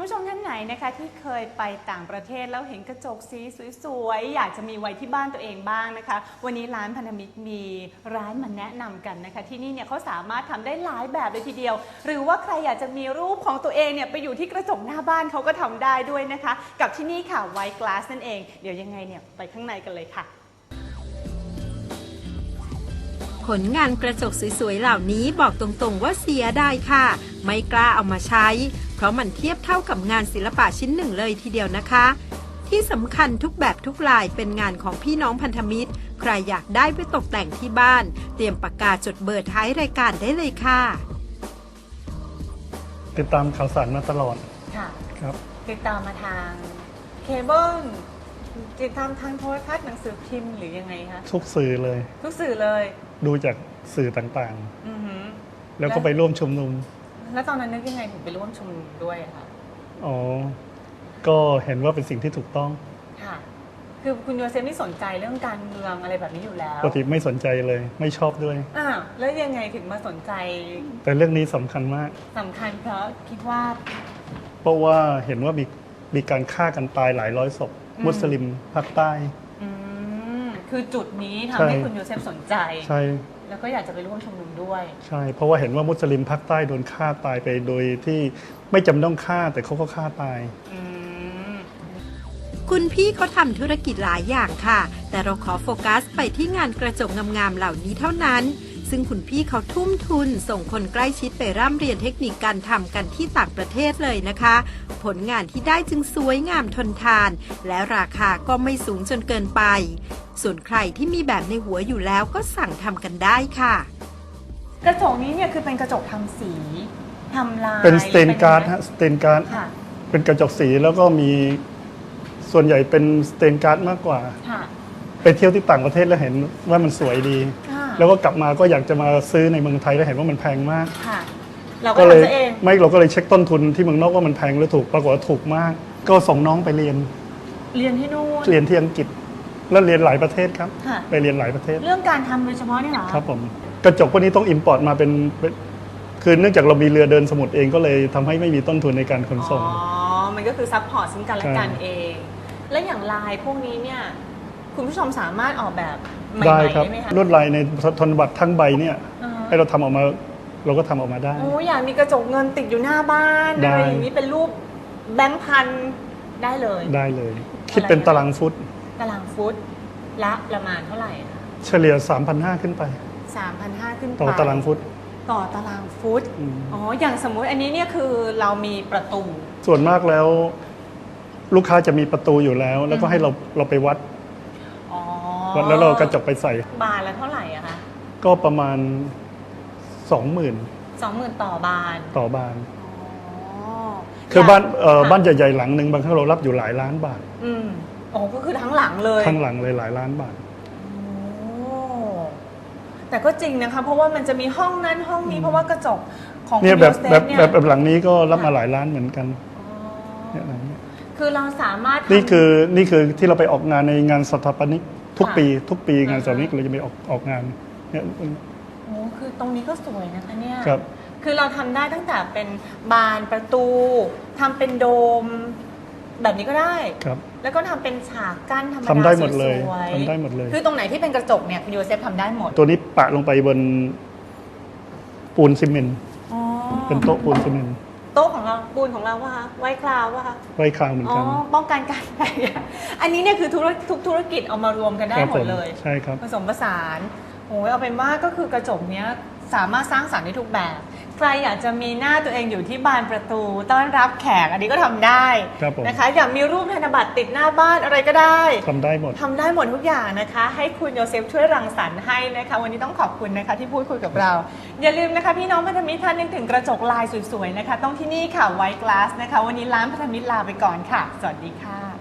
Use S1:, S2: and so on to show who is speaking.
S1: ผู้ชมท่านไหนนะคะที่เคยไปต่างประเทศแล้วเห็นกระจกสีสวยๆอยากจะมีไว้ที่บ้านตัวเองบ้างนะคะวันนี้ร้านพันธมิตรมีร้านมาแนะนำกันนะคะที่นี่เนี่ยเขาสามารถทำได้หลายแบบเลยทีเดียวหรือว่าใครอยากจะมีรูปของตัวเองเนี่ยไปอยู่ที่กระจกหน้าบ้านเขาก็ทำได้ด้วยนะคะกับที่นี่ค่ะไวท์กลาสนั่นเองเดี๋ยวยังไงเนี่ยไปข้างในกันเลยค่ะ
S2: ผลงานกระจกสวยๆเหล่านี้บอกตรงๆว่าเสียดายค่ะไม่กล้าเอามาใช้เพราะมันเทียบเท่ากับงานศิลปะชิ้นหนึ่งเลยทีเดียวนะคะที่สำคัญทุกแบบทุกลายเป็นงานของพี่น้องพันธมิตรใครอยากได้ไปตกแต่งที่บ้านเตรียมปากกาจดเบอร์ท้ายรายการได้เลยค่ะ
S3: ติดตามข่าวสารมาตลอด
S1: ค่ะ
S3: ครับ
S1: ติดตามมาทางเคเบิลติดตามทางโทรทัศน์หนังสือพิมพ์หรือยังไงคะ
S3: ทุกสื่อเลย
S1: ทุกสื่อเลย
S3: ดูจากสื่อต่างๆแล้วก็ไปร่วมชุมนุม
S1: แล้วตอนนั้นนึกยังไงถึงไปร่วมชุมนุมด้วยคะ
S3: อ๋อก็เห็นว่าเป็นสิ่งที่ถูกต้อง
S1: ค่ะคือคุณโยเซฟไม่สนใจเรื่องการเมืองอะไรแบบนี้อยู่แล้ว
S3: ปกติไม่สนใจเลยไม่ชอบด้วย
S1: แล้วยังไงถึงมาสนใจ
S3: แต่เรื่องนี้สำคัญมาก
S1: สำคัญเพราะคิดว่า
S3: เพราะว่าเห็นว่ามีการฆ่ากันตายหลายร้อยศพมุสลิมภาคใต้
S1: คือจุดนี้ทำให้คุณโยเซฟสนใจ
S3: ใช่
S1: แล้วก็อยากจะไปร่วมชุมนุมด้วย
S3: ใช่เพราะว่าเห็นว่ามุสลิมภาคใต้โดนฆ่าตายไปโดยที่ไม่จำต้องฆ่าแต่เขาก็ฆ่าตาย
S2: คุณพี่เขาทำธุรกิจหลายอย่างค่ะแต่เราขอโฟกัสไปที่งานกระจกงามๆเหล่านี้เท่านั้นซึ่งคุณพี่เขาทุ่มทุนส่งคนใกล้ชิดไปร่ำเรียนเทคนิคการทำกันที่ต่างประเทศเลยนะคะผลงานที่ได้จึงสวยงามทนทานและราคาก็ไม่สูงจนเกินไปส่วนใครที่มีแบบในหัวอยู่แล้วก็สั่งทำกันได้ค่ะ
S1: กระจกนี้เนี่ยคือเป็นกระจกทำสีทำลาย
S3: เป็นสเตนการ์ดฮะสเตนการ์ดเป็นกระจกสีแล้วก็มีส่วนใหญ่เป็นสเตนการ์ดมากกว่าไปเที่ยวที่ต่างประเทศแล้วเห็นว่ามันสวยดีแล้วก็กลับมาก็อยากจะมาซื้อในเมืองไทยแล้วเห็นว่ามันแพงมาก
S1: เราก็เลย
S3: เราก็เลยเช็คต้นทุนที่เมืองนอกว่ามันแพงหรือถูกปรากฏว่าถูกมากก็ส่งน้องไปเรียน
S1: ที่นู่น
S3: เรียนที่อังกฤษแล้วเรียนหลายประเทศครับไปเรียนหลายประเทศ
S1: เรื่องการทำโดยเฉพาะนี่เหรอ
S3: ครับผมกระจกพวกนี้ต้องอิมพอร์ตมาเป็นคือเนื่องจากเรามีเรือเดินสมุทรเองก็เลยทำให้ไม่มีต้นทุนในการขนส่ง
S1: มันก็คือซัพพอร์ตซึ่งกันและกันเองและอย่างลายพวกนี้เนี่ยคุณผู้ชมสามารถออกแบบใหม่ๆได้ไหมคะ
S3: ลวดลายในธนบัตรทั้งใบเนี่ยให้เราทำออกมาเราก็ทำออกมาได้
S1: อยากมีกระจกเงินติดอยู่หน้าบ้านอะไรอย่างนี้เป็นรูปแบงค์พันได้เลย
S3: คิดเป็นตารางฟุต
S1: ละประมาณเท่าไหร่คะ
S3: เฉลี่ย 3,500 ขึ้นไป
S1: 3,500 ขึ้นไป
S3: ต่อตารางฟุต
S1: อย่างสมมุติอันนี้เนี่ยคือเรามีประตู
S3: ส่วนมากแล้วลูกค้าจะมีประตูอยู่แล้วแล้วก็ให้เราไปวัดแล้วเรากระจกไปใส่
S1: บานละเท่าไหร่อะคะ
S3: ก็ประมาณ 20,000
S1: ต่อบาน
S3: คือบ้านใหญ่ๆหลังหนึ่งบางครั้งเรารับอยู่หลายล้านบาท
S1: ก็คือทั้งหลังเลย
S3: หลายล้านบาท
S1: แต่ก็จริงนะคะเพราะว่ามันจะมีห้องนั้นห้องนี้เพราะว่ากระจกของ
S3: เนี่ยแบบหลังนี้ก็รับมาหลายล้านเหมือนกัน
S1: คือเราสามารถ
S3: นี่คือที่เราไปออกงานในงานสถาปนิกทุกปีงานสถาปนิกเราจะไปออกงานเนี่ย
S1: คือตรงนี้ก็สวยนะคะเนี่ย
S3: ครับ
S1: คือเราทำได้ตั้งแต่เป็นบานประตูทำเป็นโดมแบบนี้ก็ได้
S3: ครับ
S1: แล้วก็ทำเป็นฉากกั้นธรรมดา
S3: ทำได้หมดเลย
S1: คือตรงไหนที่เป็นกระจกเนี่ยคุณโยเซฟทำได้หมด
S3: ตัวนี้ปะลงไปบนปูนซีเมนต์เป็นโต๊ะปูนซีเมนต์
S1: โต๊ะของเราปูนของเราว่าไวคลาวว่า
S3: ไวคลาวเหมือนกัน
S1: ป้องกันการแตกอันนี้เนี่ยคือทุกธุรกิจเอามารวมกันได้หมดเลย
S3: ใช่ครับ
S1: ผสมผสานเอาเป็นว่าก็คือกระจกเนี้ยสามารถสร้างสรรค์ได้ทุกแบบใครอยากจะมีหน้าตัวเองอยู่ที่บานประตูต้อนรับแขกอันนี้ก็ทำได้นะคะอยากมีรูปธนบัตรติดหน้าบ้านอะไรก็ได้
S3: ทำได้หม
S1: ดทุกอย่างนะคะให้คุณโยเซฟช่วยรังสรรค์ให้นะคะวันนี้ต้องขอบคุณนะคะที่พูดคุยกับเราอย่าลืมนะคะพี่น้องพันธมิตรท่านนึกถึงกระจกลายสวยๆนะคะต้องที่นี่ค่ะไวท์กลาสนะคะวันนี้ร้านพันธมิตรลาไปก่อนค่ะสวัสดีค่ะ